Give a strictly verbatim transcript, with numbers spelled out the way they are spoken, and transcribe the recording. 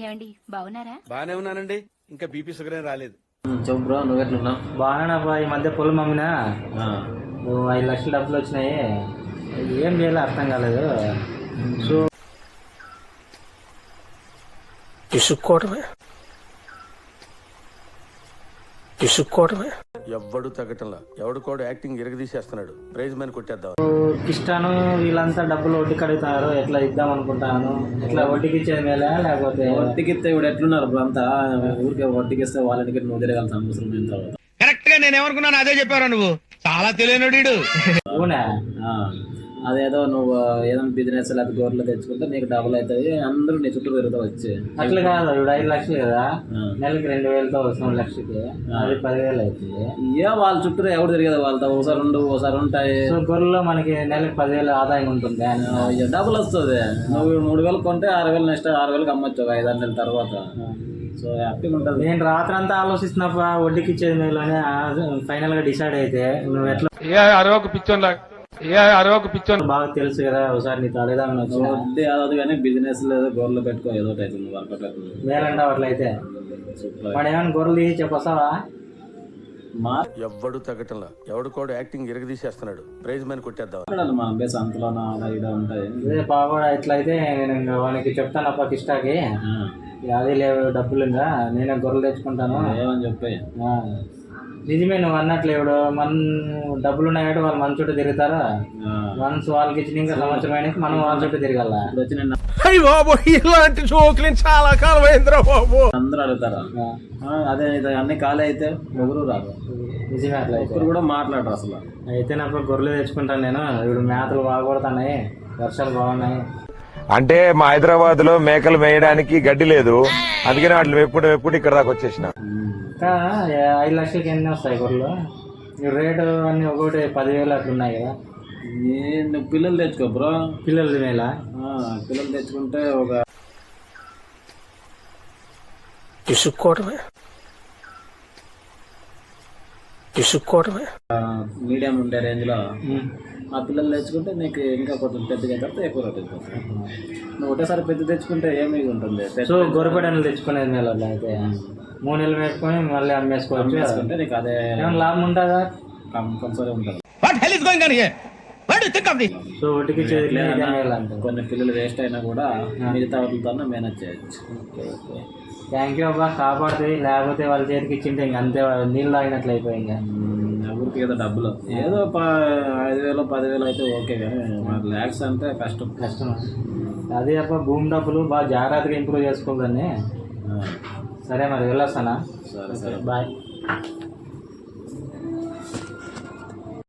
ఏమండి బాగున్నారా? బానే ఉన్నానండి. ఇంకా బీపీ షుగర్ ఏం రాలేదు. చెప్పు బ్రో, నువ్వెట్లున్నా? బాగానేపా. ఈ మధ్య పొలం అమ్మినా నువ్వు ఐదు లక్షల డబ్బులు వచ్చినాయి. ఏం చేయాలో అర్థం కాలేదు. సో ఇసుక్కోవడమే ఇసుక్కోవడమే ఎవ్వడు తగ్గటంలా ఎవడుకోడు యాక్టింగ్ ఇరగదీసేస్తున్నాడు. ప్రైజ్ మ్యాన్ కొట్టేద్దాం. కిష్టాను వీళ్ళంతా డబ్బులు వడ్డీకి అడుగుతున్నారు. ఎట్లా ఇద్దాం అనుకుంటాను. ఎట్లా వడ్డీకి ఇచ్చేది మేలే లేకపోతే వడ్డీకి ఇస్తే ఇప్పుడు ఎట్లున్నారు బ్రో అంతా? ఊరికే వడ్డీకి ఇస్తే వాళ్ళకి నువ్వు తిరగాల్సిన అవసరం అయిన తర్వాత కరెక్ట్ గా నేను ఏమనుకున్నాను అదే చెప్పారా నువ్వు. చాలా తెలియనుడు. అవునా? అదేదో నువ్వు ఏదైనా బిజినెస్ లేకపోతే గోర్లు తెచ్చుకుంటే నీకు డబుల్ అవుతుంది. అందరూ నీ చుట్టూ తిరుగుతూ వచ్చి అట్లా కాదు. ఇప్పుడు ఐదు లక్షలు కదా, నెలకి రెండు వేలతో వస్తుంది లక్షకి, అది పదివేలు అవుతుంది. ఏ వాళ్ళ చుట్టూ ఎవరు తిరిగేది వాళ్ళతో. ఒకసారి ఉండు ఒకసారి ఉంటాయి. సో గొర్రెలో మనకి నెలకి పదివేలు ఆదాయం ఉంటుంది. డబుల్ వస్తుంది. నువ్వు మూడు వేలు కొంటే ఆరు వేలు నెక్స్ట్ ఆరు వేలకు అమ్మొచ్చు ఒక ఐదు ఆరు నెలల తర్వాత. సో హ్యాపీగా ఉంటుంది. నేను రాత్రి అంతా ఆలోచిస్తున్నప్ప వడ్డీకి ఇచ్చేది మేలు అని ఫైనల్ గా డిసైడ్ అయితే నువ్వు ఎట్లా అరవకు పిచ్చోన్ అరవకు పిచ్చోన్ బాగా తెలుసు కదా. ఒకసారి నీతో అడుగుదామని వచ్చి వడ్డీ అదదు కానీ బిజినెస్ లేదు గోర్లు పెట్టుకో ఏదో ఒకటి అవుతుంది వర్కౌట్ అవుతుంది. మేలంటావు అట్లయితే. వాడు ఏమైనా గొర్రెలు తీసి చెప్పొస్తావా? మా ఎవ్వడు తగ్గటంలా ఎవడుకోడు యాక్టింగ్ ఇరగదీసేస్తున్నాడు. ప్రైజ్ మ్యాన్ కొట్టేద్దాం. మా బేస్ అంతలోనా అలా ఇలా ఉంటాయి. అదే బాగా ఎట్లయితే నేను ఇంకా వానికి చెప్తాను అప్ప కిష్టాకి, అది లేవు డబ్బులు ఇంకా నేనే గొర్రెలు తెచ్చుకుంటాను ఏమని చెప్పి. నిజమే నువ్వు అన్నట్లు. ఇప్పుడు మన డబ్బులు ఉన్నాయి వాళ్ళు మన చుట్టూ తిరుగుతారా. వన్స్ వాళ్ళకి ఇచ్చిన ఇంకా సంవత్సరం అయినా మనం వాళ్ళ చుట్టూ తిరగాల. ఇప్పుడు వచ్చి నేను ఇలాంటి జోకులు చాలా కాలం అయిందిరా బాబు. అందరూ అడుగుతారా. అదే అన్ని ఖాళీ అయితే ఎవరు రాదు. నిజమే అట్లా ఇప్పుడు కూడా మాట్లాడరు అసలు. అయితే నాకు గొర్రెలు తెచ్చుకుంటాను నేను. ఇప్పుడు మేతలు బాగుపడుతున్నాయి, వర్షాలు బాగున్నాయి. అంటే మా హైదరాబాద్ లో మేకలు మేయడానికి గడ్డి లేదు, అందుకని వాటిని ఎప్పుడు ఎప్పుడు ఇక్కడ దాకా వచ్చేసిన. ఇంకా ఐదు లక్షలకి ఎన్ని వస్తాయి గొర్రెలు? రేటు అన్ని ఒకటి పదివేలు అట్లా ఉన్నాయి కదా. నేను పిల్లలు తెచ్చుకో బ్రో. పిల్లలు మేళ పిల్లలు తెచ్చుకుంటే ఒక ఇసుక్కోవడమే ఇసుక్కోవడమే మీడియం ఉండే రేంజ్ లో ఆ పిల్లలు తెచ్చుకుంటే నీకు ఇంకా కొంచెం పెద్దగా తర్వాత ఎక్కువ రేట్ అయిపోతుంది. నువ్వు ఒకటేసారి పెద్ద తెచ్చుకుంటే ఏమీ ఉంటుంది. సో గొర్రెపడలు తెచ్చుకునేది మేళ అయితే మూడు నెలలు పెట్టుకొని మళ్ళీ అమ్మేసుకోవచ్చు. వేసుకుంటే నీకు అదే ఏమైనా లాభం ఉంటుందా? కంపల్సరీ ఉంటుంది. సో ఒటికి కొన్ని పిల్లలు వేస్ట్ అయినా కూడా మిగతా వాటితో మేనేజ్ చేయొచ్చు. థ్యాంక్ యూ అబ్బా, కాపాడుతుంది. లేకపోతే వాళ్ళ చేతికి ఇచ్చింటే ఇంక అంతే, నీళ్ళు తాగినట్లు అయిపోయి. ఇంకా ఊరికి ఏదో డబ్బులు ఏదో ఐదు వేలు పదివేలు అయితే ఓకే, కానీ మాకు ల్యాక్స్ అంటే కష్టం కష్టం. అదే అబ్బా భూమి డబ్బులు బాగా జాగ్రత్తగా ఇంప్రూవ్ చేసుకోవాలని. సరే మరి వెళ్ళొస్తానా? సరే సరే బాయ్.